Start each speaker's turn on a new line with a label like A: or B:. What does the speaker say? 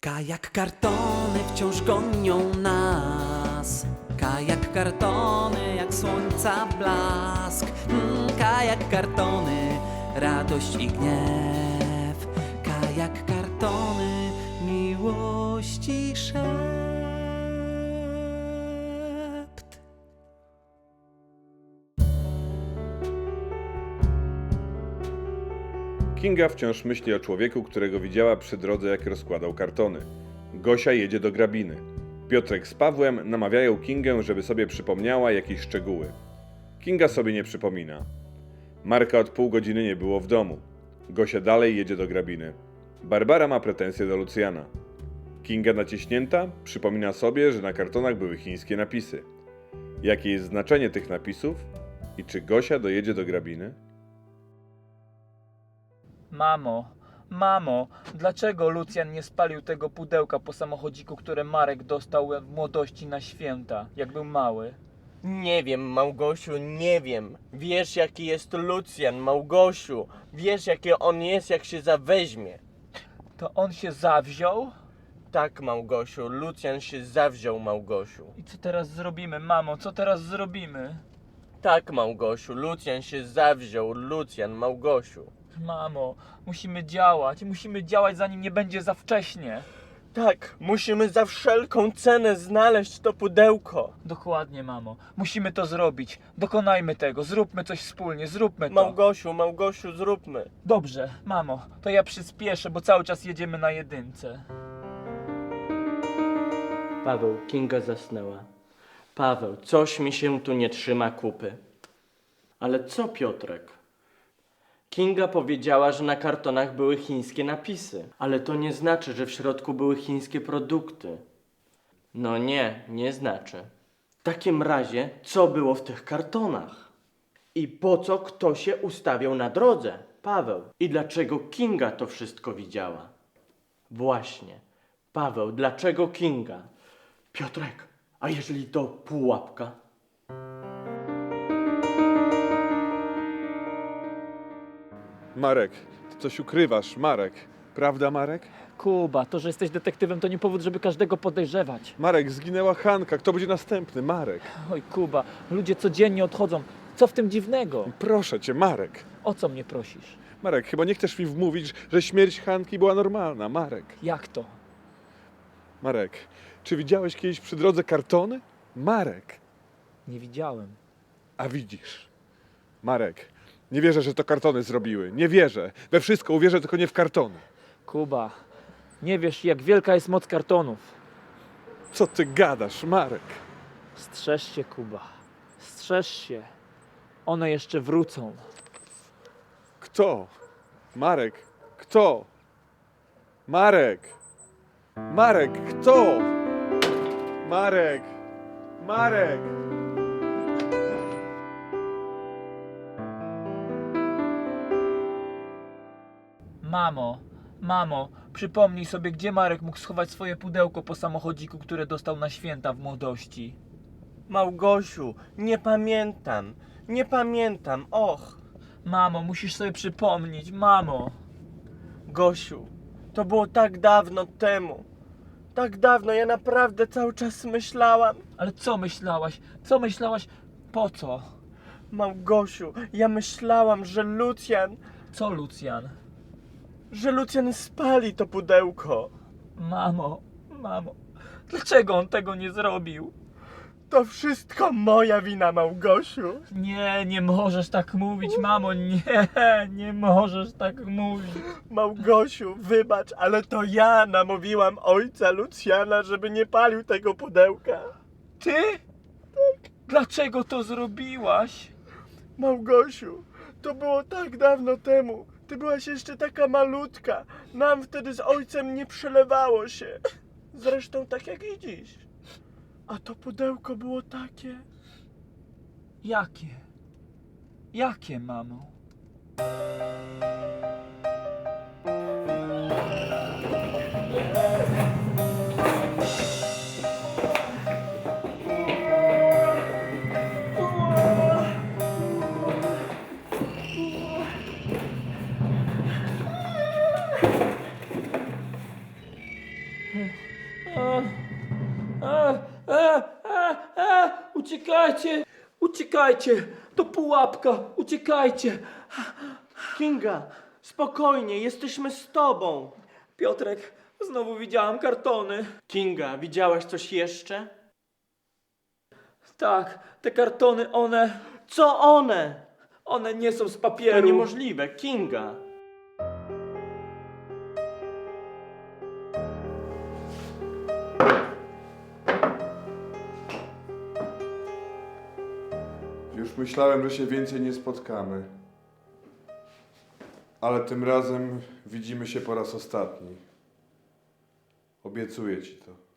A: Kajak kartony wciąż gonią nas. Kajak kartony jak słońca blask. Kajak kartony, radość i gniew. Kajak kartony, miłości szept.
B: Kinga wciąż myśli o człowieku, którego widziała przy drodze, jak rozkładał kartony. Gosia jedzie do grabiny. Piotrek z Pawłem namawiają Kingę, żeby sobie przypomniała jakieś szczegóły. Kinga sobie nie przypomina. Marka od pół godziny nie było w domu. Gosia dalej jedzie do grabiny. Barbara ma pretensje do Lucjana. Kinga naciśnięta przypomina sobie, że na kartonach były chińskie napisy. Jakie jest znaczenie tych napisów i czy Gosia dojedzie do grabiny?
C: Mamo, dlaczego Lucjan nie spalił tego pudełka po samochodziku, które Marek dostał w młodości na święta, jak był mały?
D: Nie wiem, Małgosiu, nie wiem. Wiesz, jaki jest Lucjan, Małgosiu. Wiesz, jaki on jest, jak się zaweźmie.
C: To on się zawziął?
D: Tak, Małgosiu, Lucjan się zawziął, Małgosiu.
C: I co teraz zrobimy, mamo? Co teraz zrobimy?
D: Tak, Małgosiu, Lucjan się zawziął, Lucjan, Małgosiu.
C: Mamo, musimy działać zanim nie będzie za wcześnie.
D: Tak, musimy za wszelką cenę znaleźć to pudełko.
C: Dokładnie, mamo. Musimy to zrobić. Dokonajmy tego. Zróbmy coś wspólnie. Zróbmy to.
D: Małgosiu, zróbmy.
C: Dobrze, mamo. To ja przyspieszę, bo cały czas jedziemy na jedynce.
D: Paweł, Kinga zasnęła. Paweł, coś mi się tu nie trzyma kupy. Ale co, Piotrek? Kinga powiedziała, że na kartonach były chińskie napisy. Ale to nie znaczy, że w środku były chińskie produkty. No nie znaczy. W takim razie, co było w tych kartonach? I po co kto się ustawiał na drodze? Paweł. I dlaczego Kinga to wszystko widziała? Właśnie. Paweł, dlaczego Kinga? Piotrek, a jeżeli to pułapka?
B: Marek, ty coś ukrywasz, Marek. Prawda, Marek?
C: Kuba, to, że jesteś detektywem, to nie powód, żeby każdego podejrzewać.
B: Marek, zginęła Hanka. Kto będzie następny? Marek.
C: Oj, Kuba, ludzie codziennie odchodzą. Co w tym dziwnego?
B: Proszę cię, Marek.
C: O co mnie prosisz?
B: Marek, chyba nie chcesz mi wmówić, że śmierć Hanki była normalna. Marek.
C: Jak to?
B: Marek, czy widziałeś kiedyś przy drodze kartony? Marek.
C: Nie widziałem.
B: A widzisz. Marek, nie wierzę, że to kartony zrobiły. Nie wierzę. We wszystko uwierzę, tylko nie w kartony.
C: Kuba, nie wiesz, jak wielka jest moc kartonów.
B: Co ty gadasz, Marek?
C: Strzeż się, Kuba. Strzeż się. One jeszcze wrócą.
B: Kto? Marek, kto? Marek! Marek, kto? Marek! Marek!
C: Mamo, przypomnij sobie, gdzie Marek mógł schować swoje pudełko po samochodziku, które dostał na święta w młodości.
D: Małgosiu, nie pamiętam, och.
C: Mamo, musisz sobie przypomnieć, mamo.
D: Gosiu, to było tak dawno temu. Tak dawno, ja naprawdę cały czas myślałam.
C: Ale co myślałaś? Co myślałaś? Po co?
D: Małgosiu, ja myślałam, że Lucjan spali to pudełko.
C: Mamo, dlaczego on tego nie zrobił?
D: To wszystko moja wina, Małgosiu.
C: Nie możesz tak mówić, mamo, nie możesz tak mówić.
D: Małgosiu, wybacz, ale to ja namówiłam ojca Lucjana, żeby nie palił tego pudełka.
C: Ty? Tak. Dlaczego to zrobiłaś?
D: Małgosiu, to było tak dawno temu. Ty byłaś jeszcze taka malutka. Nam wtedy z ojcem nie przelewało się. Zresztą tak jak i dziś. A to pudełko było takie.
C: Jakie? Jakie, mamo? Uciekajcie! Uciekajcie! To pułapka! Uciekajcie!
D: Kinga, spokojnie, jesteśmy z tobą.
C: Piotrek, znowu widziałam kartony.
D: Kinga, widziałaś coś jeszcze?
C: Tak, te kartony,
D: Co one?
C: one nie są z
D: To
C: papieru.
D: niemożliwe, Kinga.
B: Już myślałem, że się więcej nie spotkamy. Ale tym razem widzimy się po raz ostatni. Obiecuję ci to.